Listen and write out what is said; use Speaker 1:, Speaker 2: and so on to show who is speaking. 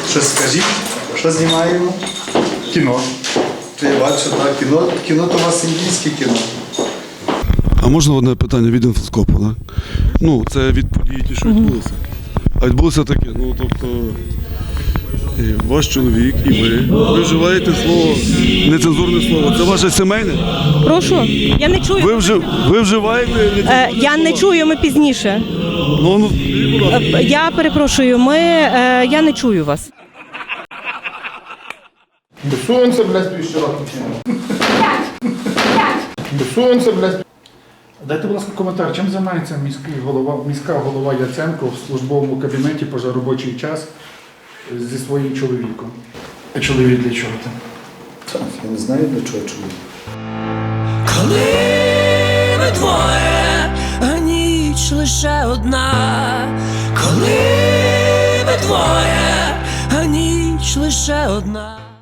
Speaker 1: Щось скажіть, що знімаємо? Кіно. Я бачу, так, кіно то у вас індійське кіно.
Speaker 2: А можна одне питання від інфоскопу, так? Ну, це від подій, ті, що відбулися. А відбулося таке, ну, тобто, і ваш чоловік і ви вживаєте слово, нецензурне слово. Це ваше сімейне?
Speaker 3: Прошу, я не чую.
Speaker 2: Ви вживаєте нецензурне
Speaker 3: Я не
Speaker 2: слово?
Speaker 3: чую, ми пізніше.
Speaker 2: Ну, будь ласка.
Speaker 3: Я перепрошую, я не чую вас.
Speaker 4: До сонця, блядь, півщороку кинув. До сонця, блядь.
Speaker 5: Дайте, будь ласка, коментар, чим займається міська голова Яценко в службовому кабінеті позаробочий час зі своїм чоловіком? А чоловік для чого там?
Speaker 1: Так, я не знаю, до чого чоловік.
Speaker 6: Коли ми двоє, а ніч лише одна. Коли ми двоє, а ніч лише одна.